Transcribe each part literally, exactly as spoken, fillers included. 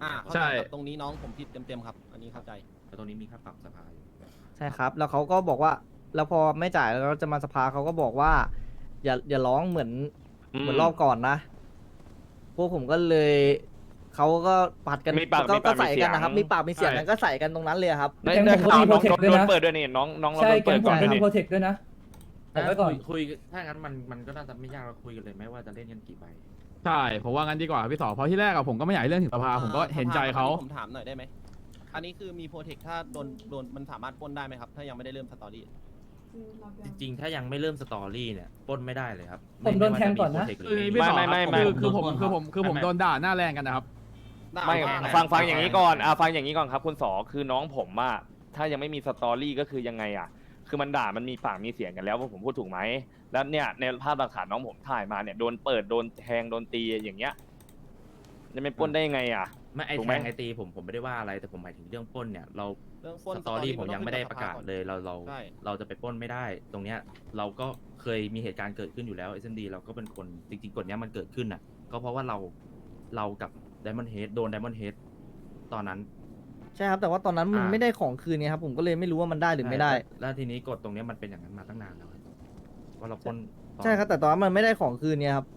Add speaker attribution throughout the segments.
Speaker 1: อ่า
Speaker 2: ใช่
Speaker 1: ตรงนี้น้องผมผิดเต็มๆครับอันนี้เข้าใจ
Speaker 3: แต่ตรงนี้มีค่าปรับสภาอยู่
Speaker 4: ใช่ครับ แล้วเขาก็บอกว่า แล้วพอไม่จ่ายแล้วจะมาสภาเขาก็บอกว่า อย่าอย่าร้องเหมือนเหมือนรอบก่อนนะ พวกผมก็เลยเขาก็ปัดกัน
Speaker 5: มีปาก
Speaker 4: ก็
Speaker 5: มี
Speaker 4: ก็
Speaker 5: ปาก
Speaker 4: ใส่
Speaker 5: มีเสี
Speaker 4: กั
Speaker 5: ย
Speaker 4: น
Speaker 5: ง
Speaker 4: นะครับ มีปากมีเสียง
Speaker 2: ใช่
Speaker 4: กันก็ใส่กันตรงนั้นเลยครับ
Speaker 5: ได้
Speaker 6: แก๊ง
Speaker 5: ได้
Speaker 6: ผม
Speaker 5: ข่าว
Speaker 6: ก็มี
Speaker 5: น้อง
Speaker 6: protect
Speaker 5: โดน
Speaker 6: ด้วยนะ
Speaker 5: เปิดด้วยนี่น้องน้องเรา
Speaker 6: ใช่
Speaker 5: โดน
Speaker 6: แก๊
Speaker 5: เปิ
Speaker 6: ง
Speaker 5: ด
Speaker 6: ผ
Speaker 5: ก่อ
Speaker 6: ม
Speaker 5: นด้วยนี่
Speaker 6: ทำโปรเทคด้วยนะแต่ไว้ก่อน
Speaker 3: คุยคุยถ้างั้นมันมันก็น่าจะไม่ยากเราคุยกันเลยไหมว่าจะเล่นกันกี่ใบ
Speaker 2: ใช่ผมว่างั้นดีกว่าพี่สอเพราะที่แรกอะผมก็ไม่อยากให้เรื่องถึงสภาผมก็เห็นใจเขา
Speaker 1: ผมถามหน่อยได้ไหมอันนี้คือมีโปรเทคถ้าโดนโดนมันสามารถปล้นได้ไหมครับถ้ายังไม่ได้เริ่มสตอรี่
Speaker 3: จริงๆ ถ้ายังไม่เริ่มสตอรี่เนี่ยปล้นไม่ได้เลยครับ
Speaker 6: ผมโดนแทงก่อนนะ
Speaker 2: คือพี่สอ
Speaker 5: ไม่ไม่ไม่
Speaker 2: คือคือผม
Speaker 3: โดน
Speaker 2: คือผมคือผมโดนด่าหน้าแรงกันนะครับ
Speaker 5: ไม่
Speaker 1: ด้
Speaker 5: ฟังฟังอย่างนี้ก่อนอ่ะฟังอย่างนี้ก่อนครับคุณสอคือน้องผมอะถ้ายังไม่มีสตอรี่ก็คือยังไงอะคือมันด่ามันมีปากมีเสียงกันแล้วว่าผมพูดถูกไหมแล้วเนี่ยในภาพหลักฐานน้องผมถ่ายมาเนี่ยโดนเปิดโดนแทงโดนตีอย่างเงี้ยจะไม่ปล้นได้ยังไงอะ
Speaker 3: ไม่ไอ
Speaker 5: ถูก
Speaker 3: แท
Speaker 5: ไหม
Speaker 3: งไอตีผมผมไม่ได้ว่าอะไรแต่ผมหมายถึงเรื่องปล้นเนี่ยเรา
Speaker 1: เรื่องปล้น
Speaker 3: สตอรี่ผมยังไม่ได้ประกาศเลยเราเรา
Speaker 1: ใช่
Speaker 3: เราจะไปปล้นไม่ได้ ตรงเนี้ยเราก็เคยมีเหตุการณ์เกิดขึ้นอยู่แล้วเอสเอ็มดีเราก็เป็นคนจริงๆกฎเนี้ยมันเกิดขึ้นอ่ะ ก็เพราะว่าเราเรากับไดมอนด์เฮดโดนไดมอนด์เฮดตอนนั้น
Speaker 4: ใช่ครับ แต่ว่าตอนนั้นมัน
Speaker 3: อ่า
Speaker 4: ไม่ได้ของคืนเนี่ยครับ ผมก็เลยไม่รู้ว่ามันได้หรือไม่ได้
Speaker 3: แล้วแล้วทีนี้กฎตรงเนี้ยมันเป็นอย่างนั้นมาตั้งนานแล้วครับว่าเราปล้นตอน
Speaker 4: ใช่ครับ แต่ตอนนั้นมันไม่ได้ของคืนเนี่ยครับ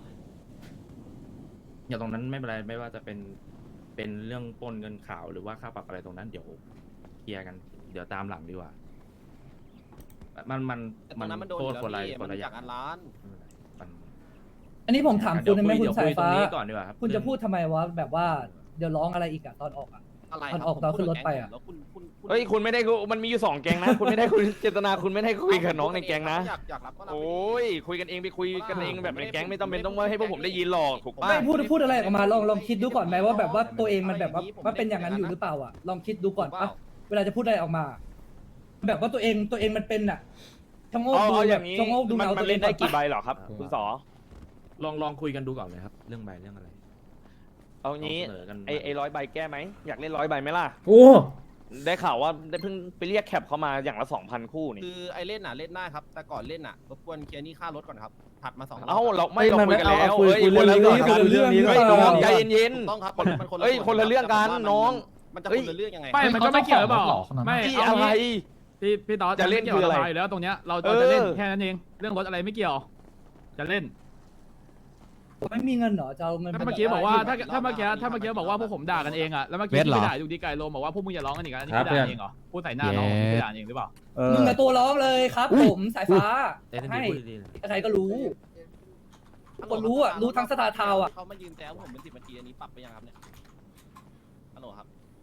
Speaker 3: อย่างตรงนั้นไม่เป็นไรไม่ว่าจะเป็นเป็นเรื่องปล้นเงินข่าวหรือว่าค่าปรับอะไรตรงนั้นเดี๋ยวเคลียร์กันเดี๋ยวตามหลังดีกว่า มันมัน
Speaker 1: แต่ตรงนั้นมันโดน
Speaker 3: โท
Speaker 1: อ
Speaker 3: ษ
Speaker 1: ยู่
Speaker 3: คน
Speaker 1: แล้ว
Speaker 3: ละ
Speaker 1: พี่
Speaker 3: คน
Speaker 1: มัน
Speaker 3: ละอ
Speaker 1: จา
Speaker 3: ย่าก ง
Speaker 1: อันล้าน
Speaker 3: มัน
Speaker 6: อันนี้ผมถามคุณได้ไหมคุณ
Speaker 3: เดี๋ยว
Speaker 6: สาย
Speaker 3: คุยตร
Speaker 6: ฟ้า
Speaker 3: งนี้ก่อนดีกว่าครับ
Speaker 6: คุณจะพูดทำไมวะแบบว่าเดี๋ยวร้องอะไรอีกอะตอนออกอะ
Speaker 1: อะไร
Speaker 6: มัน
Speaker 1: คบ
Speaker 6: ออกตอนขึ้นรถไปอะ
Speaker 1: แล้วคุณคุณคุณ
Speaker 5: เฮ้ยคุณไม่ได้คุยมันมีอยู่สองแก๊งนะ คุณไม่ได้คุยเจตนาคุณไม่ได้คุยกับน้องในแก๊งนะ
Speaker 1: อยากอยากรับก็รับ
Speaker 5: โอ้ยคุยกันเองไปคุยกันเองแบบในแก๊งไม่ต้องเป็นต้องให้พวกผมได้ยินหรอกถูกปะ
Speaker 6: ไม่พูดพูดอะไรออกมาลองลองคิดดูก่อนไหมว่าแบบว่าตัวเองมันแบบว่าว่าเป็นอย่างนั้นอยู่หรือเปล่าอะลองคิดดูก่อนปะเวลาจะพูดอะไรออกมา แบบว่าตัวเองตัวเองมันเป็นอะชะโงก
Speaker 5: เอา
Speaker 6: ดู
Speaker 5: เอาอ
Speaker 6: แบ
Speaker 5: ย่า
Speaker 6: บ
Speaker 5: งนี้
Speaker 6: ชะโงกดู
Speaker 5: มัน
Speaker 6: เงา
Speaker 5: มัน
Speaker 6: ตัวเอ
Speaker 5: เล่
Speaker 6: ง
Speaker 5: นได้
Speaker 6: ก่
Speaker 5: กี่
Speaker 6: อน
Speaker 5: ใบ
Speaker 6: ปะ
Speaker 5: เหรอครับ คุณสอ
Speaker 3: ลองลองคุยกันดูก่อนเลยครับ เรื่องใบเรื่องอะไร
Speaker 5: เอางี้
Speaker 3: ลองเสนอกัน
Speaker 5: ไอไอร้อยใบแก้ไหมอยากเล่นร้อยใบไหมล่ะ
Speaker 7: โอ้
Speaker 5: ได้ข่าวว่าได้เพิ่งไปเรียกแคปเขามาอย่างละสองพันคู่นี่
Speaker 1: คือไอเล่นน่ะเล่นได้ครับ แต่ก่อนเล่นน่ะรบกวนเคลียร์หนี่ค่ารถก่อนครับถัดมาสองรบ
Speaker 5: เอ้าเราไม่
Speaker 4: เอ้ย
Speaker 5: เรา
Speaker 4: มัน
Speaker 5: คุยกัน
Speaker 4: เอา
Speaker 5: แล้ว
Speaker 4: เอาคุย
Speaker 5: เอ้ย
Speaker 4: คุย
Speaker 5: คนละ
Speaker 4: เรื่
Speaker 5: เรื่
Speaker 4: อ
Speaker 5: อง ง
Speaker 4: นี้
Speaker 5: กัน
Speaker 4: คุยเรื่องนี้
Speaker 5: เฮ้ย
Speaker 4: หรือเปล่า
Speaker 5: น้องใจเย็น
Speaker 1: ถูกต้องครับมันมันคนละ
Speaker 5: เอ้ย
Speaker 1: ส่ว
Speaker 5: คนละเรื่องกัน
Speaker 1: แต่ว่ามั
Speaker 5: น้อง
Speaker 1: มันจะ
Speaker 5: เอ้
Speaker 1: ค
Speaker 5: ย
Speaker 1: นละเรื่องยังไง
Speaker 2: ไม่มันก็ไม่เกี่ยวหรือเปล่าไม่
Speaker 5: ๆที่
Speaker 2: เอา
Speaker 5: อะไร
Speaker 2: งี้พี่พี่ต๊อด
Speaker 5: จะเล่น
Speaker 2: ม่กี่ยว
Speaker 5: คืออะไร
Speaker 2: กับสภาอยู่แล้วตรงเนี้ยเรา
Speaker 5: เอ
Speaker 2: เรา
Speaker 5: อ
Speaker 2: จะเล่นแค่นั้นเองเรื่องรถอะไรไม่เกี่ยว จะเล่น
Speaker 6: ไม่มีเงินเหรอจะเอาเงิน
Speaker 2: ถ้าเมื่อกี้บอกว่าถ้าถ้าเมื่อกี้ถ้าเมื่อกี้บอกว่าพวกผมด่ากันเองอะแล้วเมื่อกี้ที่ไปด่าอยู่ดีไก่โลบอกว่าพวกมึงอย่าร้องกันอีกอันนี้พี่ด่าเองเหรอพูดใส่หน้าน้องพี่ไปด่าเองหรือเปล่า
Speaker 6: มึงกับตัวร้องเลยครับ ผมสายฟ้า
Speaker 3: เอ็สเอ็ม
Speaker 6: ให้
Speaker 3: ดีพูดดีๆเลย
Speaker 6: ใครก็รู้ คนรู้อะรู้ทั้งสตาร์ทาวน์อะ
Speaker 1: เขามายืนแซวผมเป็นสิบนาทีอันนี้ปรับไปยังครับเนี่ยฮัลโหลครับ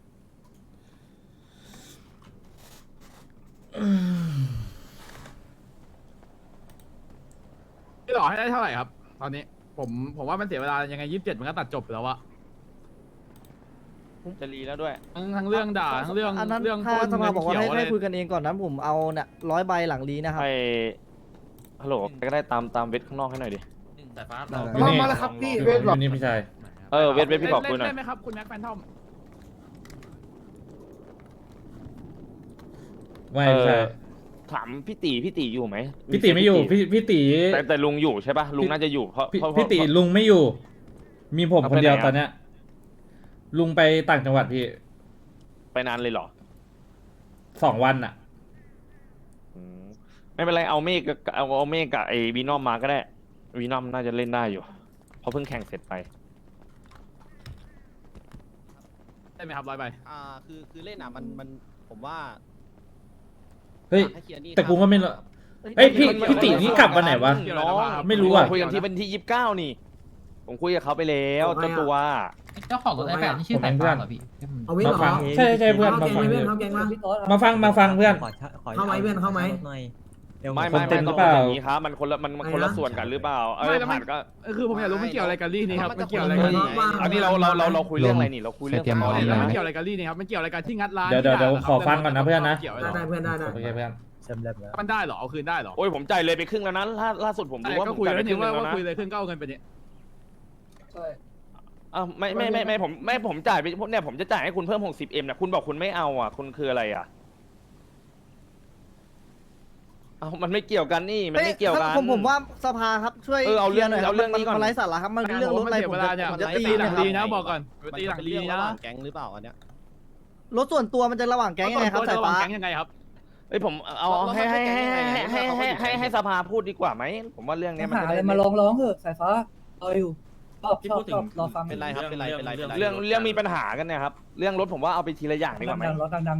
Speaker 2: พี่หล่อให้ได้เท่าไหร่ครับ ตอนนี้ผมผมว่ามันเสียเวลายังไงยี่สิบเจ็ดมันก็ตัดจบแล้วอะ
Speaker 5: จะรีแล้วด้วย
Speaker 2: ทั้งทั้งเรื่องด่าทั้งเรื่อง
Speaker 4: อันนั้น
Speaker 2: เรื่อง
Speaker 4: ถ้า
Speaker 2: ปล้น
Speaker 4: สภา
Speaker 2: เงิน
Speaker 4: บอกว่า
Speaker 2: เขียว
Speaker 4: ให้
Speaker 2: อะไร
Speaker 4: ให้คุยกันเองก่อนนั้นผมเอาเนี่ยร้อยใบหลังลีนะครับ
Speaker 5: ไอฮัลโหลก็ได้ตามตามเวทข้างนอกให้หน่อยดิ
Speaker 3: แต่ฟ้าเรา
Speaker 4: ได้
Speaker 7: ลอง
Speaker 8: มาแล้วครับพี่
Speaker 7: เวทบอกนี่พี่ชาย
Speaker 5: เออเวทเวทพี่บอกคุยหน่อย
Speaker 2: เล่นไหมครับคุณแม็กแฟนทอม
Speaker 7: ไม่
Speaker 5: เอ
Speaker 7: พี่ชาย
Speaker 5: อถามพี่ตีพี่ตีอยู่ไหม
Speaker 7: พี่ตีไม่อยู่พี่พี่ตี
Speaker 5: แต่แต่ลุงอยู่ใช่ป่ะลุงน่าจะอยู่เพราะ
Speaker 7: พี่
Speaker 5: เพราะ
Speaker 7: พี่ตีลุงไม่อยู่ มีผม
Speaker 5: เอา
Speaker 7: ค
Speaker 5: ไป
Speaker 7: นเดียว
Speaker 5: ไหนอะ
Speaker 7: ตอนเนี้ย ลุงไปต่างจังหวัดพี่
Speaker 5: ไปนานเลยเหรอ
Speaker 7: สองวันอ่ะ
Speaker 5: อืมไม่เป็นไรเอาเมฆกับเอาเอาเมฆกับไอ้วีนอมมาก็ได้วีนอมน่าจะเล่นได้อยู่เพราะเพิ่งแข่งเสร็จไป
Speaker 2: ได้ไหมครับร้อยใบ
Speaker 1: อ่าคือคือเล่นอ่ะมันมันผมว่า
Speaker 7: เฮ้ย
Speaker 1: ให้เคลียร์หนี่
Speaker 7: แต่กูก็ไม่รู้ เอ้ยพี่พี่ตีนี่กลับวันไหนวะ
Speaker 5: น้อง
Speaker 7: ไม่รู้อะ
Speaker 5: คุยกันที่วันที่ยี่สิบเก้านี่ ผมคุยกับเขาไปแล้วเจ้าตัว
Speaker 8: เจ้าของรถไอแปดนี่ชื่อสายฟ้าเหรอพี่
Speaker 9: เอาเว้น
Speaker 7: มา
Speaker 9: เหรอ
Speaker 7: ฟังใช่ใช่เพื่อน
Speaker 9: เข้า
Speaker 7: มา
Speaker 9: แกง
Speaker 7: ฟัง
Speaker 9: ไหมเพื่อนเข้าแกงวะ
Speaker 6: พี่ต๊อด
Speaker 7: มาฟังมาฟังเพื่อน
Speaker 9: เข้าไหมเพื่อนเข้าไหม
Speaker 5: ไม่
Speaker 7: คน
Speaker 5: ไม่
Speaker 7: เต็
Speaker 5: ไม่
Speaker 7: มหรื
Speaker 5: ต้อ
Speaker 7: อง เปล่า
Speaker 5: อย่างนี้ครับมันคนละมันมันคนละส่วนกันหรือเปล่าเออผ่านก็
Speaker 2: เออคือผมอยากรู้มันเกี่ยวอะไรกับลี่นี่ครับมันเกี่ยวอะไรกับลี่
Speaker 5: อันนี้เราเราเราเราคุยเรื่องอะไรนี่เราคุยเรื่อง
Speaker 8: เตรียม
Speaker 5: สตอ
Speaker 8: ไว้
Speaker 5: รี่
Speaker 8: เลย
Speaker 2: มัน
Speaker 5: ไหม
Speaker 2: เกี่ยวอะไรกับลี่นี่ครับมันเกี่ยวอะไรกับที่งัดร้าน
Speaker 7: เดี๋ยวเดี๋ยวเดี๋ยว
Speaker 2: ที่
Speaker 7: ขอฟังก่อนนะเพื่อนนะ
Speaker 2: เกี่ยวอะไร
Speaker 9: ได้ได้เพื่อนได้ได้
Speaker 7: โอเคเพื่อน
Speaker 2: มันได้เหรอเอาคืนได้เหรอ
Speaker 5: โอ้ยผมจ่ายเลยไปครึ่งแล้วนั้นล่าล่าสุดผม
Speaker 2: แต่
Speaker 5: รู้ว่า
Speaker 2: ก็
Speaker 5: ผม
Speaker 2: คุย
Speaker 5: จ่าย
Speaker 2: แล้
Speaker 5: ไป
Speaker 2: ว
Speaker 5: ครึ่
Speaker 2: นี่
Speaker 5: ง
Speaker 2: ว่า
Speaker 5: แล้ว
Speaker 2: ว่า
Speaker 5: นะ
Speaker 2: คุยเลยขึ้นก็เอาเงินไปเนี่ย
Speaker 5: อ้าวไม่ไม่ไม่ไม่ผมไม่ผมจ่ายไปเนี่ยผมจะจ่ายให้คุณเพิ่มหกสิบเอ็มเนี่ยคุณบอกคุณไม่เอาอ่ะคุณคืออะไรอ่ะเอามันไม่เกี่ยวกันนี่มันไม่เกี่ยวกัน
Speaker 4: ผมผมว่าสภาครับช่วย
Speaker 5: เออเอาเรื่อง
Speaker 4: คลียหน่อยคบ
Speaker 5: เอาเรื่องนี้ก่อน
Speaker 4: มัไร้สาระครับมันเรื่องรถอะไร
Speaker 2: เสีย
Speaker 4: ผม
Speaker 2: เว
Speaker 4: จะ
Speaker 2: ลาเนี่ย
Speaker 4: ผมจะ
Speaker 2: ตี
Speaker 4: ตี
Speaker 2: หลั
Speaker 4: นะ
Speaker 2: ง
Speaker 4: ครับ
Speaker 2: ดีนะบอกก่อนไปตีหลังดี
Speaker 1: มัเป็เรื่อง
Speaker 2: นะ
Speaker 1: ระหว่างแก๊งหรือเปล่าอันเนี้ย
Speaker 4: รถส่วนตัวมันจะระหว่างแก๊งยังไงครับสายฟ้า
Speaker 2: แก๊งยังไงครับ
Speaker 5: เอ้ยผมเอาเอาให้ให้ให้ให้ให้ให้ให้สภาพูดดีกว่าไหมผมว่าเรื่องเนี้ยมัน
Speaker 6: หา
Speaker 5: จะ
Speaker 6: อะไร
Speaker 5: ได้
Speaker 6: มาร้องร้องเถอะสายฟ้ารออยู่ชอบ
Speaker 3: ที่
Speaker 6: ชอ
Speaker 3: พู
Speaker 6: บ
Speaker 3: ดถึ
Speaker 6: ชอง บรอฟัง
Speaker 1: เป็นไรครับเป็นไรเป็นไรเป็นไร
Speaker 5: เรื่องเรื่องมีปัญหากันเนี่ยครับเรื่องรถผมว่าเอาไปทีละอย่างดีกว่าไหม
Speaker 6: ดังๆร้องดัง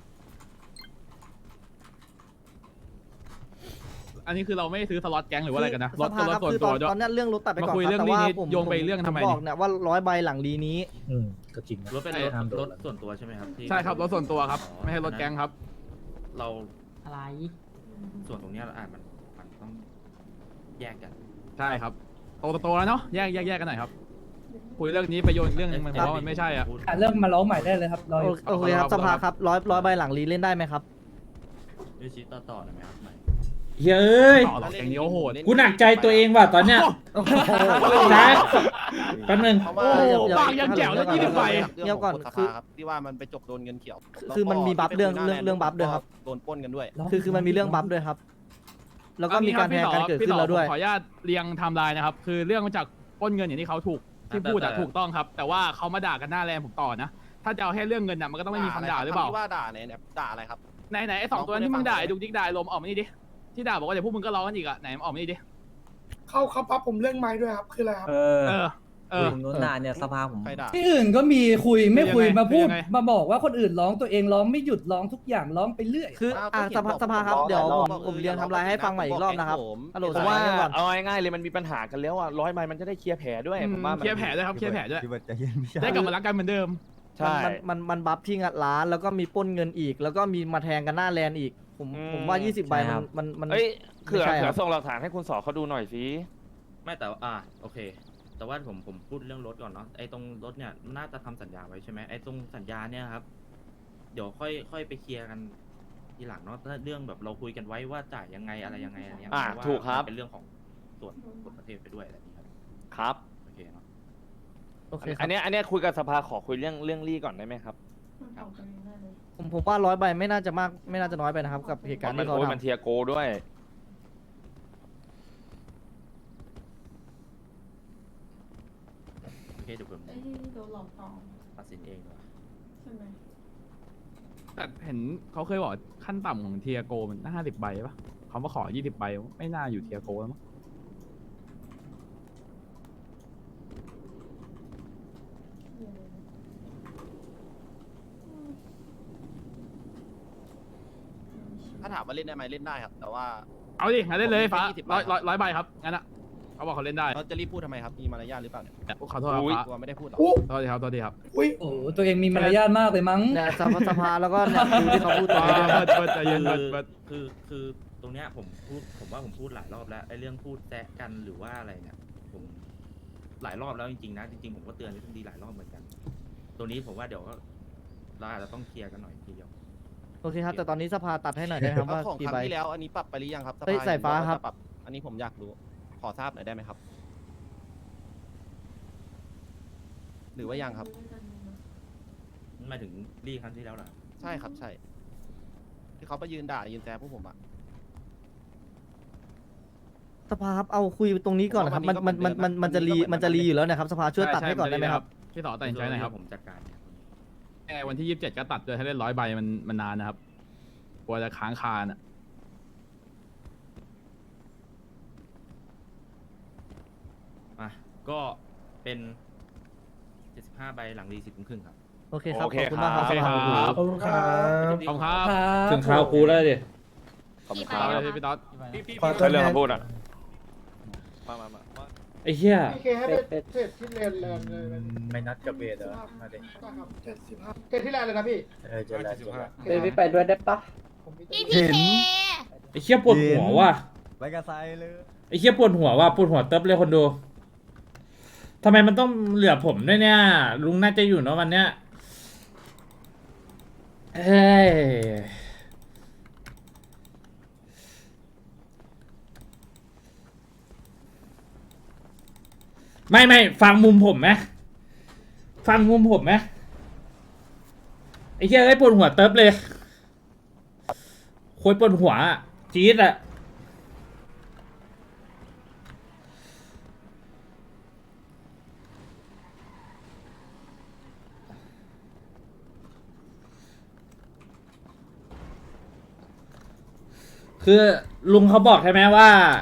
Speaker 2: อันนี้คือเราไม่ซื้อสล็อตแก๊งหรือว่าอะไรกันนะร
Speaker 4: ส
Speaker 2: ถ
Speaker 4: ภา
Speaker 2: รถ
Speaker 4: ครับ
Speaker 2: ส่วน
Speaker 4: คือ
Speaker 2: ตั
Speaker 4: ต
Speaker 2: ว
Speaker 4: อน
Speaker 2: ด้วย
Speaker 4: ตอนเนี้ยเรื่องรถตัดไปก่อน
Speaker 2: มาคุย
Speaker 4: ครับ
Speaker 2: เรื่อง
Speaker 4: แต่
Speaker 2: นี้
Speaker 4: ว่า
Speaker 2: นิด
Speaker 4: ผม
Speaker 2: โยงไป
Speaker 4: ผม
Speaker 2: เรื่องทำไม
Speaker 4: ผมบอก
Speaker 2: นี่
Speaker 4: เนี่ยว่าร้อยใบหลังลีนี้
Speaker 7: อืมก็จริง
Speaker 3: รถเป็นรถรถส่วนตัวใช่ไหมครับที่
Speaker 2: ใช่ครับรถส่วนตัวครับไม่ใช่รถแก๊งครับ
Speaker 3: เรา
Speaker 8: อะไร
Speaker 3: ส่วนตรงเนี้ยอ่ะมันมันต้องแยกกัน
Speaker 2: ใช่ครับโตโตแล้วเนาะแยกแยกแยกกันหน่อยครับคุยเรื่องนี้ไปโยนเรื่องนึงมันผมว่ามันไม่ใช่อ่ะ
Speaker 6: ๆหาเรื่องมาร้องใหม่ได้เลยครับรออยู่
Speaker 4: โอเคครับสภาครับร้อยร้อยใบหลังลีเล่นได้ไหมครับ
Speaker 3: ด้วยชี้ต่อต่อหน่อยไหมครับไหม
Speaker 7: เฮ้ยเอ้ย
Speaker 2: ต่อหรอกแก๊งนี้โอ้โหด
Speaker 7: กูหนักใจตัวเองว่ะตอนเนี้ยนะแป๊บนึง
Speaker 1: เพราะว่า
Speaker 4: เออ
Speaker 2: บางยังแจ๋วแล้วยี่สิบใบ
Speaker 4: เดี๋ยวก่อน
Speaker 1: ส
Speaker 4: คือ
Speaker 1: ภาครับที่ว่ามันไปจบโดนเงินเขียว
Speaker 4: คือมันมีบัฟเรื่อง
Speaker 1: แล้วก็
Speaker 4: เรื่องเรื่องบัฟด้วยครับ
Speaker 1: โดนปล้นกันด้วย
Speaker 4: คือคือมันมีเรื่องบัฟด้วยครับ แล้วก็มีการแทงกันเกิดขึ้นแล้วด้วย
Speaker 2: ขออนุญาตเรียงไทม์ไลน์นะครับ คือเรื่องมาจากปล้นเงินอย่างที่เขาถูกที่พูดอะถูกต้องครับ แต่ว่าเขามาด่ากันหน้าแรงผมต่อนะ ถ้าจะเอาแค่เรื่องเงินน่ะมันก็ต้องไม่มีคำด่าหรือเปล่า
Speaker 1: คำที่ว่าด่าเนี่ยเนี่ยด่าอะไรครับ
Speaker 2: ไหนไหนไอ้สองตัวนั้นที่มึงด่าไอ้ดุกดิกด่าไอ้ลมออกมานี่ดิที่ด่าบอกว่าเดี๋ยวพวกมึงก็ร้องกันอีกอะไหนมันออกมานี่ดิ
Speaker 9: เขาเขาปั๊บผมเรื่องไม้ด้วยครับ คืออะไรครับ
Speaker 2: เออเออ
Speaker 10: ผมโดนด่าเนี่ยสภาผม
Speaker 1: ใครด่า
Speaker 6: ที่อื่นก็มีคุยไม่คุย
Speaker 2: เป็นยังไง
Speaker 6: มาพูด
Speaker 2: เป็นยังไง
Speaker 6: มาบอกว่าคนอื่นร้องตัวเองร้องไม่หยุดร้องทุกอย่างร้องไปเรื่อย
Speaker 4: คือ
Speaker 1: อ้าว
Speaker 4: อ่า
Speaker 1: ก็
Speaker 4: สภา
Speaker 1: เห็น
Speaker 4: สภาครับ
Speaker 1: บอก
Speaker 4: เดี๋ยวผม
Speaker 1: บอก
Speaker 4: ผมเรียนทำลายให้ฟังใหม่อีกรอบนะครับ
Speaker 1: ผม
Speaker 4: ฮัลโหล
Speaker 5: ผ
Speaker 4: ส
Speaker 5: ม
Speaker 4: ภา
Speaker 5: ว่า
Speaker 4: เรื่องก่อน
Speaker 5: เอาง่ายๆเลยมันมีปัญหากันแล้วอ่ะร้อยใบมันจะได้เคลียร์แผลด้วยผมว่ามัน
Speaker 2: เคลียร์แผลด้วยครับเคลียร์แผลด้วย
Speaker 10: พี่เบิร์ดใจเย็นพี่ชาย
Speaker 2: ได้กลับมารักกันเหมือนเดิม
Speaker 5: ใช่
Speaker 4: มันมันมันบัฟที่งัดร้านแล้วก็มีปล้นเงินอีก แล้วก็มีมาแทงกันหน้าแลนอีก ผมผมว่ายี่สิบใบมันมันมัน
Speaker 5: เอ้ยเขื่อ
Speaker 4: ไม่ใช่ค
Speaker 5: เขื่
Speaker 4: รั
Speaker 5: อบ ส่งหลักฐานให้คุณสอเขาดูหน่อยสิ
Speaker 3: ไม่แต่ว่าอ่าโอเค แต่ว่าผมผมพูดเรื่องรถก่อนเนาะไอ้ตรงรถเนี่ยน่าจะทำสัญญาไว้ใช่ไหมไอ้ตรงสัญญาเนี่ยครับ เดี๋ยวค่อยค่อยไปเคลียร์กันทีหลังเนาะถ้าเรื่องแบบเราคุยกันไว้ว่าจ่ายยังไงอะไรยังไงอะไรเงี้ย
Speaker 5: อ่า
Speaker 3: เพราะว่า
Speaker 5: ถูกครับ
Speaker 3: มันเป็นเรื่องของส่วนกฎประเทศไปด้วยอะไรอย่างเงี้ยครับ
Speaker 5: ครับ
Speaker 3: โอเคเนาะ
Speaker 4: โอเคค
Speaker 5: อั
Speaker 4: รับ
Speaker 5: นเนี้ยอันเนี้ยคุยกับสภาขอคุยเรื่องเรื่องลี่ก่อนได้ไหมครับ
Speaker 4: ผมผมว่าร้อยใบไม่น่าจะมากไม่น่าจะน้อยไปนะครับ กับเหตุการณ์
Speaker 5: มัน
Speaker 4: ที่เขา
Speaker 5: โอ้ย
Speaker 4: ท
Speaker 5: มันเทียโกด้วย
Speaker 3: โอเคเดี๋ยวผมตัดสินเองดีกว่า
Speaker 2: แต่เห็นเขาเคยบอกขั้นต่ำของเทียโกมันห้าสิบใบปะเขามาขอยี่สิบใบไม่น่าอยู่เทียโกแล้วมั้ง
Speaker 1: ถ้าถามว่าเล่นได้ไหมเล่นได้ครับ แต่ว่า
Speaker 2: เอาดิงั้นเล่นเลยฟ้า
Speaker 1: ผมมีแค่ยี่สิบใบ
Speaker 2: ร้อยร้อยร้อยใบครับงั้นอะเขาบอกเขาเล่นได้
Speaker 1: เขาจะรีบพูดทำไมครับ มีมารยาทหรือเปล่าเนี่ย
Speaker 2: ขอโทษครับ
Speaker 5: อุ๊ย
Speaker 2: ฟ้า
Speaker 1: กลัวไม่ได้พูดหรอก
Speaker 9: อู้
Speaker 2: โทษทีครับโทษทีครับ
Speaker 9: อุ้ย
Speaker 6: โอ้โหตัวเองมีมารยาทมากเลยมั้ง
Speaker 4: ำเนี่ยสภาสภาแล้วก็เนี่ยดูที่เขาพูดตรงนี้ด้วย
Speaker 2: เบิร์ดเบิร์ดใจเย็นเบิร์ดเบิร์ด
Speaker 3: คือคือตรงเนี้ยผมพูดผมว่าผมพูดหลายรอบแล้วไอ้เรื่องพูดแซะกันหรือว่าอะไรเนี่ยผมหลายรอบแล้วจริงๆนะจริงๆผมก็เตือนที่ดีหลายรอบเหมือนกัน ตัวนี้ผมว่าเดี๋ยวก็เราอาจจะต้องเคลียร์กันหน่อยทีเดียว
Speaker 4: โอเคครับ แต่ตอนนี้สภาตัดให้หน่อยได้ไหมครับ
Speaker 1: แล้ว
Speaker 4: ว่า
Speaker 1: ของ
Speaker 4: กี่
Speaker 1: ครั้
Speaker 4: ใบ
Speaker 1: งที่แล้วอันนี้ปรับไปหรือยังครับ
Speaker 4: เฮ้ย
Speaker 1: ภ
Speaker 4: สายฟ้าครับ
Speaker 1: จะปรับ อันนี้ผมอยากรู้ ขอทราบหน่อยได้ไหมครับ หรือว่ายังครับ
Speaker 3: หมายถึงรีครั้งที่แล้วเหรอ
Speaker 1: ใช่ครับใช่ ที่เขาไปยืนด่ายืนแซวพวกผมอะ
Speaker 4: สภาครับเอาคุยตรงนี้ก่อนนะครับ มันมันมันมันมันจะรีมันจะรีอยู่แล้วนะครับสภาช่วยตัดให้ก่อนได้ไหมครับ
Speaker 2: พี่ต่อตัดสินใจหน่อยครับ
Speaker 3: ผมจัดการเนี่ย
Speaker 2: แอร์วันที่ยี่สิบเจ็ดก็ตัดเลยให้เล่นร้อยใบมันมันนานนะครับกลัวจะค้างคานอ่ะ
Speaker 3: อ่ะก็เป็นเจ็ดสิบห้าใบหลังรีสิบครึ่งครับ
Speaker 4: โอเคครับ
Speaker 5: โอเค
Speaker 4: ขอบคุณมากครับ
Speaker 2: โอเค
Speaker 4: สภา
Speaker 2: ครับ
Speaker 9: ขอบคุณครับ
Speaker 2: ขอบคุณครับ
Speaker 7: ถึงคราวกูแล้วดิ
Speaker 5: ขอบคุณค
Speaker 2: ค
Speaker 5: รั
Speaker 2: รับบ พี่ต๊อด
Speaker 9: ขอ
Speaker 5: ใช่เรื่องคำพูดอ่ะมามามามา
Speaker 7: ไอ้เหี้ย
Speaker 9: พี่เคให้ไปเทรดที่แลนด์แลนด์เลย
Speaker 10: ไม่นัดกับเบสเหรอมาดิ
Speaker 9: ครับเจ็ดสิบห้าเทรดที่แลนด์เลยนะพี่
Speaker 10: เออเจอแล้วเจอแล้ว
Speaker 6: เดี๋ยวไปด้วยได้ปะ
Speaker 9: ผมมี
Speaker 8: พี่พีเค
Speaker 7: ไอ้เหี้ยปวดหัวว่ะ
Speaker 10: ไปกับไซเลย
Speaker 7: ไอ้เหี้ยปวดหัวว่ะปวดหัวเติบเลยคนดูทำไมมันต้องเหลือผมด้วยเนี่ย ลุงน่าจะอยู่เนอะวันเนี้ยเฮ้ยไม่ไม่ฟังมุมผมไหมฟังมุมผมไหมไอ้เหี้ยไอ้ปวดหัวเติบเลยโคยปวดหัวอะจี๊ดอะคือลุงเขาบอกใช่ไหมว่า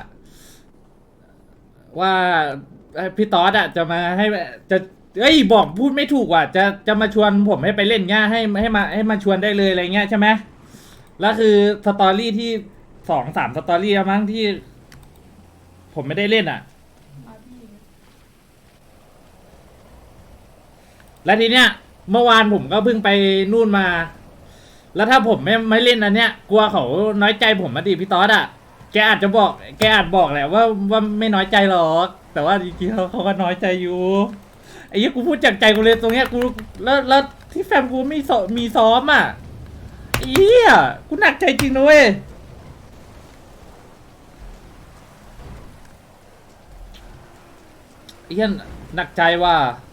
Speaker 7: ว่าเอ้ยพี่ต๊อดอะจะมาให้จะเอ้ยบอกพูดไม่ถูกว่ะจะจะมาชวนผมให้ไปเล่นเงี้ยให้ให้มาให้มาชวนได้เลยอะไรเงี้ยใช่ไหมแล้วคือสตอรี่ที่สองสามสตอรี่แล้วมั้งที่ ผมไม่ได้เล่นอ่ะ แล้วทีเนี้ยเมื่อวานผมก็เพิ่งไปนู่นมา แล้วถ้าผมไม่ไม่เล่นอันเนี้ยกลัวเขาน้อยใจผมมาดิพี่ต๊อดอ่ะแกอาจจะบอกแกอาจบอกแหละว่าว่าไม่น้อยใจหรอกแต่ว่าจริงๆเขาเขาก็น้อยใจอยู่ไอ้เหี้ยกูพูดจากใจกูเลยตรงเนี้ยกูแล้วแล้วที่แฟมกูมีสมีซ้อมอ่ะไอ้เหี้ยกูหนักใจจริงนะเว้ยไอ้เหี้ยหนักใจว่า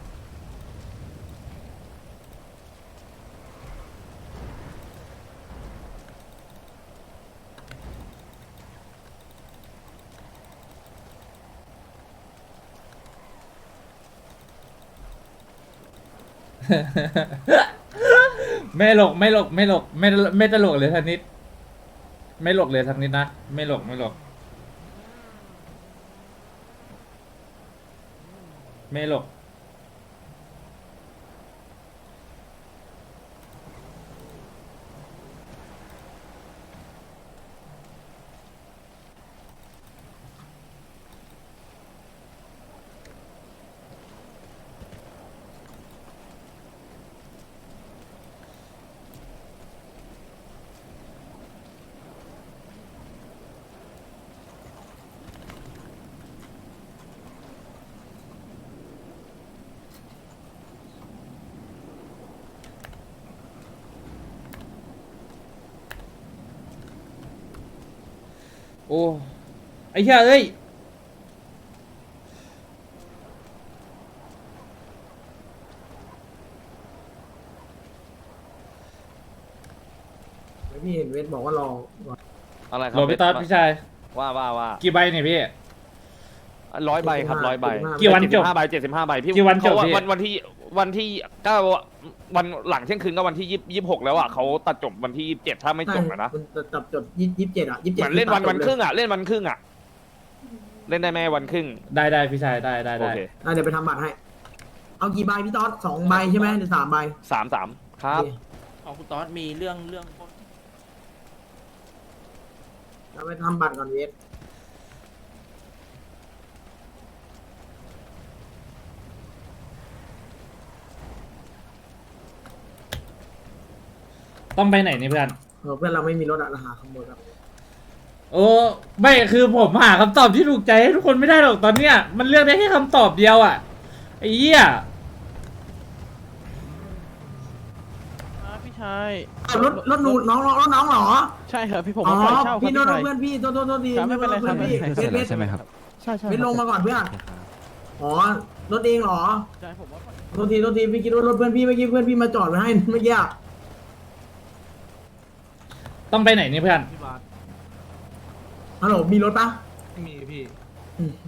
Speaker 7: ไม่หลกไม่หลกไม่หลกไม่ไม่ตลกเลยทักนิด ไม่หลกเลยทักนิดนะไม่หลกไม่หลกไม่หลก โอ้ไอ้เหี้ยเอ้ย
Speaker 9: พี่เห็นเวทบอกว่ารอ
Speaker 5: อะไรครั
Speaker 7: โหลพี่ต๊อดพี่ชาย
Speaker 5: ว่าว่าว่า
Speaker 7: กี่ใบเนี่ยพี่
Speaker 5: ร้อยใบครับร้อยใบ
Speaker 7: กี่วันจบ
Speaker 5: เจ็ดสิบห้าใบเจ็ดสิบห้าใบพี่
Speaker 7: กี่วันจบ
Speaker 5: เขา
Speaker 7: พี่
Speaker 5: วันวันที่วันที่เก้าวันหลังเที่ยงคืนก็วันที่ยี่ยี่หกแล้วอ่ะเขาตัดจบวันที่ยี่สิบเจ็ดถ้าไม่จบอะนะ
Speaker 9: จับจดยี่สิบเจ็ดอ่ะยี่สิบ
Speaker 5: เห
Speaker 9: เจ็ด
Speaker 5: มือนเล่นวันวันครึ่งอ่ะเล่นวันครึ่งอ่ะเล่นได้ไหมวันครึ่ง
Speaker 7: ได้ได้พี่ชายได้ได้
Speaker 5: โอ
Speaker 7: ได้
Speaker 5: เค
Speaker 9: เดี๋ยวไปทำบัตรให้ เอากี่ใบพี่ต๊อดสองใบใช่ไหมหรือสามใบ
Speaker 5: สามสามครับ
Speaker 3: ของคุณต๊อดมีเรื่องเรื่อง
Speaker 9: เราไปทำบัตรก่อนเวท
Speaker 7: ต้องไปไหนนี่เพื่อน
Speaker 9: เพื่อนเราไม่มีรถอะเราหาขโมยครับ
Speaker 7: โอ้ไม่คือผมหาคำตอบที่ถูกใจให้ทุกคนไม่ได้หรอกตอนเนี้ยมันเลือกได้แค่คำตอบเดียวอ่ะไอ้เหี้ย
Speaker 1: พี่ชาย
Speaker 9: รถรถหนูน้องรถน้องเหรอ
Speaker 1: ใช่ครับพี่ผม
Speaker 9: อ๋อ
Speaker 1: มาปล่อยเช่าครับ
Speaker 9: พี่
Speaker 1: พี่
Speaker 9: โน้ต
Speaker 1: ชาย
Speaker 9: เพื่อนพี่โทษโทษโทษดี
Speaker 1: ครับไม่เป็นไรครับ
Speaker 9: เพื่อนพี่เวทเวท
Speaker 10: ใช่ไหมครับ
Speaker 1: ใช่ใช่
Speaker 9: เวทลงมาก่อนเพื่อนอ๋อรถเองเหรอ
Speaker 1: ใช่ผมว่า
Speaker 9: โทษทีโทษทีพี่คิดว่ารถเพื่อนพี่เมื่อกี้เพื่อนพี่มาจอดไว้ให้เมื่อกี้อะ
Speaker 7: ต้องไปไหนนี่เพื่อน
Speaker 9: ฮัลโหลมีรถปะ
Speaker 10: มีพี่
Speaker 9: อืม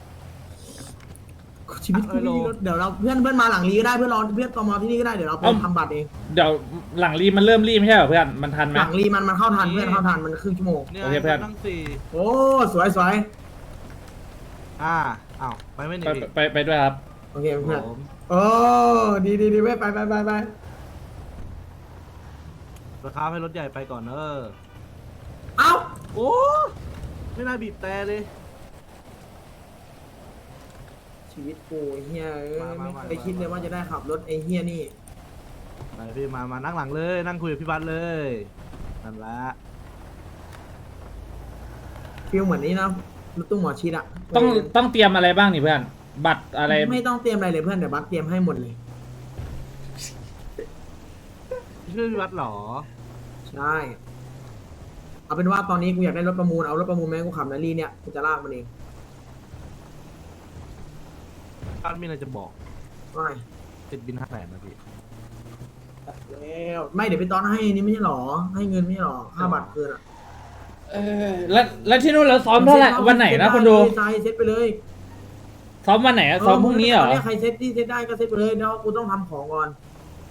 Speaker 9: ชีวิตกูไม่มีรถเดี๋ยวเราเพื่อนเพื่อนมาหลังรีก็ได้เพื่อนรอเพื่อนตอมอที่นี่ก็ได้เดี๋ยวเราไป
Speaker 7: เอ้า
Speaker 9: ทำบัตรเอง
Speaker 7: เดี๋ยวหลังรีมันเริ่มรีไม่ใช่เหรอเพื่อนมันทันไหม
Speaker 9: หลังรีมันมันเข้าทันเพื่อนเข้าทันมันครึ่งชั่วโมง
Speaker 7: โอเคเพื่อน
Speaker 9: โอ้สวยสวย
Speaker 10: อ่าอ้าวไปไม่หนี
Speaker 7: ไปไปไปด้วยครับ
Speaker 9: โอเคเพื่อนโอ้ดีดีดีเว้ยไปไปไปไป
Speaker 10: ราคาให้รถใหญ่ไปก่อนเนอะ
Speaker 9: เอ้า
Speaker 10: โอ้ไม่น่าบีบแต่เลย
Speaker 9: ชีวิตกูไอ้เฮียเอ้ย
Speaker 10: มามา
Speaker 9: ไม่
Speaker 10: มา
Speaker 9: เคยคิดเลยว่าจะได้ขับรถไอ้เฮียนี่
Speaker 10: ไปพี่มามานั่งหลังเลยนั่งคุยกับพี่บัสเลยนั่นละ
Speaker 9: ฟีลเหมือนนี้นะรถตู้หมอชิดอะ
Speaker 7: ต้องต้องเตรียมอะไรบ้างนี่เพื่อน บัตรอะไร
Speaker 9: ไม่ต้องเตรียมอะไรเลยเพื่อนเดี๋ยวบัสเตรียมให้หมดเลย
Speaker 10: ชื่อพี่บัสเหรอ
Speaker 9: ใช่เอาเป็นว่าตอนนี้กูอยากได้รถประมูลเอารถประมูลแม่งกูขับนารี่เนี่ยกูจะลากมันเอง
Speaker 10: บัสมีอะไรจะบอก
Speaker 9: ไม่
Speaker 10: ติดบินห้าแสนนะพี่
Speaker 9: แล้วไม่เดี๋ยวไปตอนให้นี่ไม่ใช่หรอ ให้เงินไม่ใช่หรอค่าบัตรเกินอะ
Speaker 7: เออแล้วแล้วที่นู่นเราซ้อมเท่าไหร่วันไหนนะคนดู
Speaker 9: ใช่เซ็ตไปเลย
Speaker 7: ซ้อมวันไหนอะซ้อมพรุ่งนี้เหรอ
Speaker 9: ตใครเซ็ตที่เซ็ตได้ก็เซ็ตไปเลยแล้วกูต้องทำของก่อน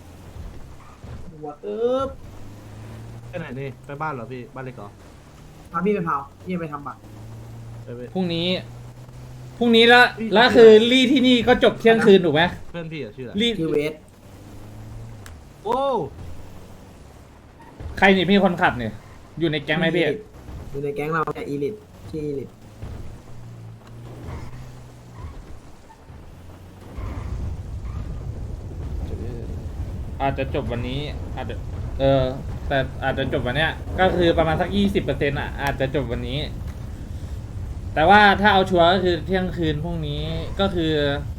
Speaker 9: หัวตึ๊บ
Speaker 10: ไปไหนนี่ไปบ้านเหรอพี่บ้านเล็กเหรอ
Speaker 9: พาพี่ไปเผาพี่ไปทำบัตร
Speaker 10: ไปไป
Speaker 7: พรุ่งนี้พรุ่งนี้แล้วแล้วคือรี่ที่นี่ก็จบเที่ยงคืนถูกไหม
Speaker 10: เพื่อนพี่อะชื่ออะไร
Speaker 7: รี่
Speaker 9: ชื่อเวส
Speaker 10: โอ้
Speaker 7: ใครนี่พี่คนขับเนี่ยอยู่ในแก๊งไหมพี่
Speaker 9: อยู่ในแก๊งเราเนี่ยอีลิทชื่ออีลิท
Speaker 7: อาจจะจบวันนี้อาจจะเออแต่อาจจะจบวันเนี้ยก็คือประมาณสักยี่สิบเปอร์เซ็นต์อ่ะอาจจะจบวันนี้ แต่ว่าถ้าเอาชัวร์ก็คือเที่ยงคืนพรุ่งนี้ก็คือ